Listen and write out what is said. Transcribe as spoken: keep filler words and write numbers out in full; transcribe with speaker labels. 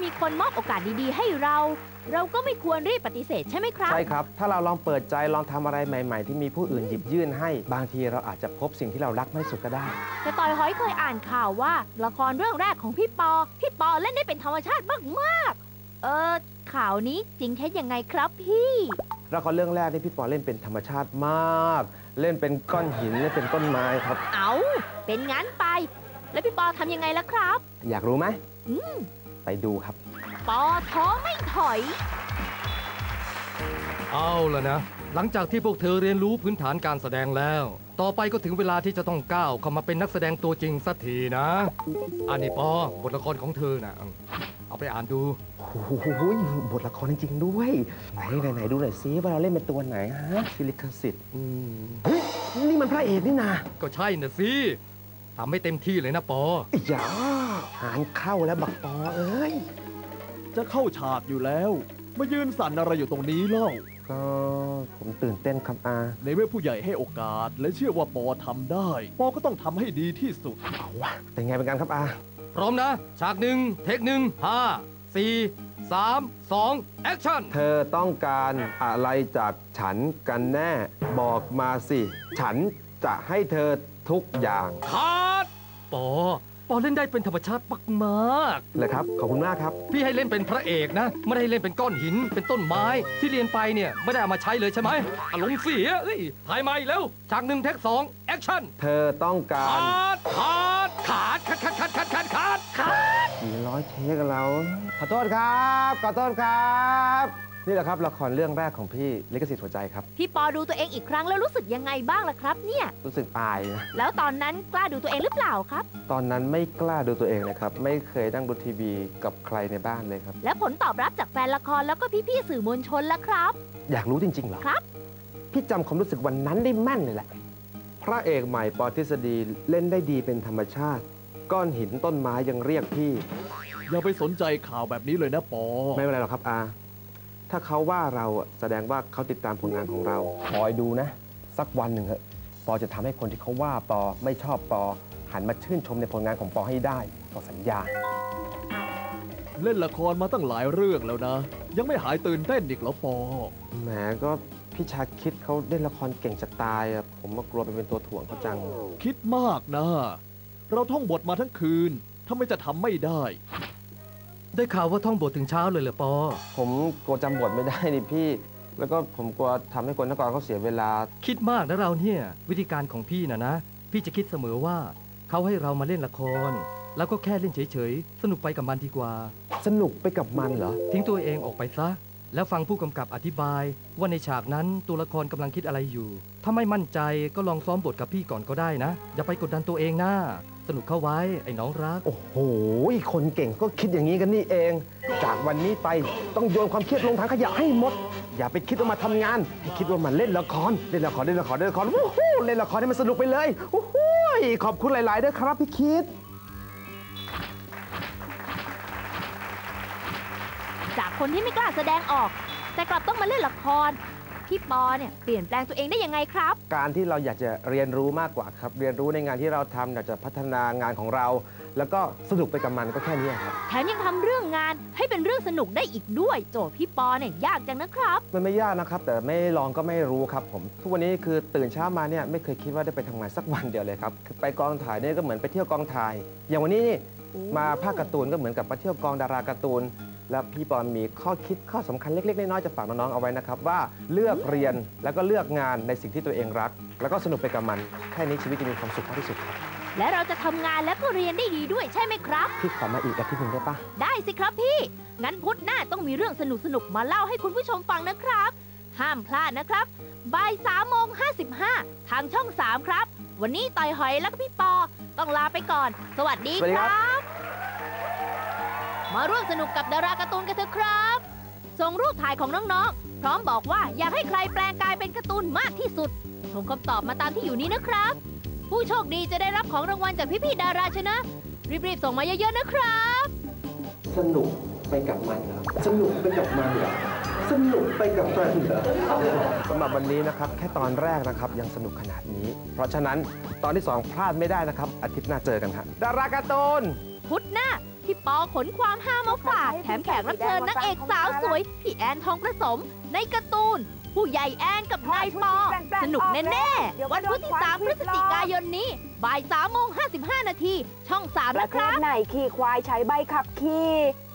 Speaker 1: มีคนมอบโอกาสดีๆให้เราเราก็ไม่ควรรีบปฏิเสธใช่ไหมครับ
Speaker 2: ใช่ครับถ้าเราลองเปิดใจลองทำอะไรใหม่ๆที่มีผู้อื่นหยิบยื่นให้บางทีเราอาจจะพบสิ่งที่เรารักไม่สุดก็ได้
Speaker 1: แต่ต่อยหอยเคยอ่านข่าวว่าละครเรื่องแรกของพี่ปอพี่ปอเล่นได้เป็นธรรมชาติมากๆเออข่าวนี้จริงแค่ยังไงครับพี่
Speaker 2: ละครเรื่องแรกที่พี่ปอเล่นเป็นธรรมชาติมากเล่นเป็นก้อนหินเล่นเป็นต้นไม้ครับ
Speaker 1: เอาเป็นงั้นไปแล้วพี่ปอทำยังไงล่ะครับ
Speaker 2: อยากรู้ไหม
Speaker 1: อืม
Speaker 2: ไปดูครับ
Speaker 1: ปอท้อไม่ถอย
Speaker 3: เอาล่ะนะหลังจากที่พวกเธอเรียนรู้พื้นฐานการแสดงแล้วต่อไปก็ถึงเวลาที่จะต้องก้าวเข้ามาเป็นนักแสดงตัวจริงสักทีนะอันนี้ปอบทละครของเธอนะเอาไปอ่านดู
Speaker 2: โอ้โหบทละครจริงๆด้วยไหนไหนไหนดูหน่อยซิว่าเราเล่นเป็นตัวไหนฮะฟิลิคสิทธิ์เฮ้ยนี่มันพระเอกนี่นา
Speaker 3: ก็ใช่น่ะสิทำให้เต็มที่เลยนะปอ
Speaker 2: อย่าหานเข้าแล้วบักปอเอ้ย
Speaker 4: จะเข้าฉากอยู่แล้วมายืนสั่นอะไรอยู่ตรงนี้เล่า
Speaker 2: ก็ผมตื่นเต้นครับอา
Speaker 4: ในเมื่อผู้ใหญ่ให้โอกาสและเชื่อว่าปอทำได้ปอก็ต้องทำให้ดีที่สุด
Speaker 2: เอาวะเป็นไงเป็นกันครับอา
Speaker 3: พร้อมนะฉากหนึ่งเทคหนึ่งห้าสี่สามสองแอคชั่น
Speaker 2: เธอต้องการอะไรจากฉันกันแน่บอกมาสิฉันจะให้เธอทุกอย่าง
Speaker 3: คัดปอปอเล่นได้เป็นธรรมชาติมาก
Speaker 2: ๆเลยครับขอบคุณมากครับ
Speaker 3: พี่ให้เล่นเป็นพระเอกนะไม่ได้เล่นเป็นก้อนหินเป็นต้นไม้ที่เรียนไปเนี่ยไม่ได้เอามาใช้เลยใช่ไหมอารมณ์เสียเอ้ยถ่ายใหม่แล้วฉากหนึ่งเทคสองแอคชั่น
Speaker 2: เธอต้องการ
Speaker 3: ขาดขาดขาดขาดขาดขาดขาดขาดขาด
Speaker 2: กี่ร้อยเทคเราขอโทษครับขอโทษครับนี่แหละครับละครเรื่องแรกของพี่ลิขสิทธิ์หัวใจครับ
Speaker 1: พี่ปอดูตัวเองอีกครั้งแล้วรู้สึกยังไงบ้างล่ะครับเนี่ย
Speaker 2: รู้สึกอายนะ
Speaker 1: แล้วตอนนั้นกล้าดูตัวเองหรือเปล่าครับ
Speaker 2: ตอนนั้นไม่กล้าดูตัวเองเลยครับไม่เคยนั่งดูทีวีกับใครในบ้านเลยครับ
Speaker 1: แล้วผลตอบรับจากแฟนละครแล้วก็พี่ๆสื่อมวลชนล่ะครับ
Speaker 2: อยากรู้จริงๆเหรอ
Speaker 1: ครับ
Speaker 2: พี่จำความรู้สึกวันนั้นได้แม่นเลยแหละพระเอกใหม่ปอทฤษฎีเล่นได้ดีเป็นธรรมชาติก้อนหินต้นไม้ยังเรียกพี่
Speaker 4: อย่าไปสนใจข่าวแบบนี้เลยนะปอ
Speaker 2: ไม่เป็นไรหรอกครับอาถ้าเขาว่าเราแสดงว่าเขาติดตามผลงานของเราคอยดูนะสักวันหนึ่งเหอะปอจะทำให้คนที่เขาว่าปอไม่ชอบปอหันมาชื่นชมในผลงานของปอให้ได้ปอสัญญา
Speaker 4: เล่นละครมาตั้งหลายเรื่องแล้วนะยังไม่หายตื่นเต้นอีกเหรอปอ
Speaker 2: แหมก็พี่ชาคิดเขาเล่นละครเก่งจะตายอะผมก็กลัวไปเป็นตัวถ่วงเขาจัง
Speaker 4: คิดมากนะเราท่องบทมาทั้งคืนทำไมจะทำไม่ได้
Speaker 3: ได้ข่าวว่าท่องบทถึงเช้าเลยเหรอปอ
Speaker 2: ผมกลัวจำบทไม่ได้นี่พี่แล้วก็ผมกลัวทำให้คนนักกรเขาเสียเวลา
Speaker 3: คิดมากนะเราเนี่ยวิธีการของพี่นะนะพี่จะคิดเสมอว่าเขาให้เรามาเล่นละครแล้วก็แค่เล่นเฉยๆสนุกไปกับมันดีกว่า
Speaker 2: สนุกไปกับมันเหรอ
Speaker 3: ทิ้งตัวเองออกไปซะแล้วฟังผู้กำกับอธิบายว่าในฉากนั้นตัวละครกำลังคิดอะไรอยู่ถ้าไม่มั่นใจก็ลองซ้อมบทกับพี่ก่อนก็ได้นะอย่าไปกดดันตัวเองนะสนุกเข้าไว้ไอ้น้องรัก
Speaker 2: โอ้โหคนเก่งก็คิดอย่างนี้กันนี่เองจากวันนี้ไปต้องโยนความเครียดลงถังขยะให้หมดอย่าไปคิดว่ามาทำงานให้คิดว่ามันเล่นละครเล่นละครเล่นละครเล่นละครโอ้โหเล่นละครให้มันสนุกไปเลยโอ้โหขอบคุณหลายๆด้วยครับพี่คิด
Speaker 1: จากคนที่ไม่กล้าแสดงออกแต่กลับต้องมาเล่นละครพี่ปอเนี่ยเปลี่ยนแปลงตัวเองได้ยังไงครับ
Speaker 2: การที่เราอยากจะเรียนรู้มากกว่าครับเรียนรู้ในงานที่เราทำอยากจะพัฒนางานของเราแล้วก็สนุกไปกับมันก็แค่นี้ครับ
Speaker 1: แถมยังทำเรื่องงานให้เป็นเรื่องสนุกได้อีกด้วยโจทย์พี่ปอเนี่ยยากจังนะครับ
Speaker 2: มันไม่ยากนะครับแต่ไม่ลองก็ไม่รู้ครับผมทุกวันนี้คือตื่นเช้ามาเนี่ยไม่เคยคิดว่าได้ไปทำงานสักวันเดียวเลยครับไปกองถ่ายเนี่ยก็เหมือนไปเที่ยวกองถ่ายอย่างวันนี้นี่มาภาคการ์ตูนก็เหมือนกับมาเที่ยวกองดาราการ์ตูนและพี่ปอนมีข้อคิดข้อสำคัญเล็กๆน้อยๆจะฝากน้องๆเอาไว้นะครับว่าเลือกเรียนแล้วก็เลือกงานในสิ่งที่ตัวเองรักแล้วก็สนุกไปกับมันแค่นี้ชีวิตจะมีความสุขมากที่สุดครับ
Speaker 1: และเราจะทำงานและก็เรียนได้ดีด้วยใช่ไหมครับ
Speaker 2: พี่ขอมาอีกอาทิตย์หนึ่งได้ปะ
Speaker 1: ได้สิครับพี่งั้นพุธหน้าต้องมีเรื่องสนุกๆมาเล่าให้คุณผู้ชมฟังนะครับห้ามพลาดนะครับบ่ายสามโมงห้าสิบห้าทางช่องสามครับวันนี้ต่อยหอยและก็พี่ปอต้องลาไปก่อนสวัสดีครับมาร่วมสนุกกับดาราการ์ตูนกันเถอะครับส่งรูปถ่ายของน้องๆพร้อมบอกว่าอยากให้ใครแปลงกายเป็นการ์ตูนมากที่สุดส่งคำตอบมาตามที่อยู่นี้นะครับผู้โชคดีจะได้รับของรางวัลจากพี่ๆดาราชนะรีบๆส่งมาเยอะๆนะครับ
Speaker 2: สนุกไปกับมันเหรอสนุกไปกับมันเหรอสนุกไปกับมันเหรอสำหรับวันนี้นะครับแค่ตอนแรกนะครับยังสนุกขนาดนี้เพราะฉะนั้นตอนที่สองพลาดไม่ได้นะครับอาทิตย์หน้าเจอกันครับดาราการ์ตูน
Speaker 1: พุธหน้าพี่ปอขนความฮามาฝากแถมแขกรับเชิญนางเอกสาวสวยพี่แอนทองประสมในการ์ตูนผู้ใหญ่แอนกับนายปอสนุกแน่ๆวันพุธที่สามพฤศจิกายนนี้บ่ายสามโมงห้าสิบห้านาทีช่องสาม
Speaker 5: ประ
Speaker 1: นะ
Speaker 5: เท
Speaker 1: ครั
Speaker 5: ศ
Speaker 1: บ
Speaker 5: ไหนขี่ควายใช้ใบขับขี่